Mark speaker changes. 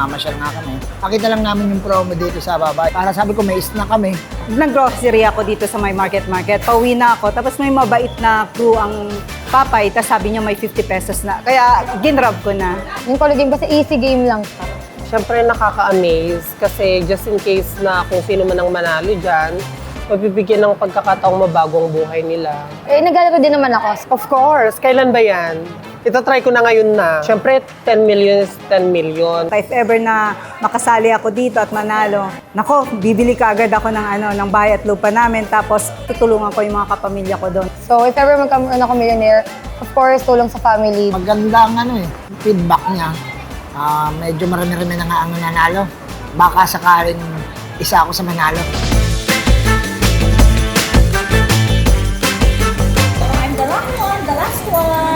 Speaker 1: namamasyal nga kami. Nakita lang namin yung promo dito sa baba. Para sabi ko, may snack kami.
Speaker 2: Nag-grocery ako dito sa my market. Pauwi na ako. Tapos may mabait na crew ang papay. Tapos sabi niya may 50 pesos na. Kaya ginrab ko na.
Speaker 3: Yung college game kasi easy game lang siya.
Speaker 4: Siyempre nakaka-amaze kasi just in case na kung sino man ang manalo dyan, mabibigyan ng pagkakataong mabago ang buhay nila.
Speaker 3: Eh, naglalaro din naman ako.
Speaker 4: Of course, kailan ba yan? Itatry ko na ngayon na. Siyempre, 10 million is 10 million.
Speaker 2: If ever na makasali ako dito at manalo, nako, bibili ka agad ako ng bahay at lupa namin. Tapos tutulungan ko yung mga kapamilya ko doon.
Speaker 3: So, if ever magkaroon ako millionaire, of course, tulong sa family.
Speaker 1: Maganda ang feedback niya. Medyo marami-rami na nga ang nanalo. Baka sakaling isa ako sa manalo.
Speaker 5: I'm the last one, the last one.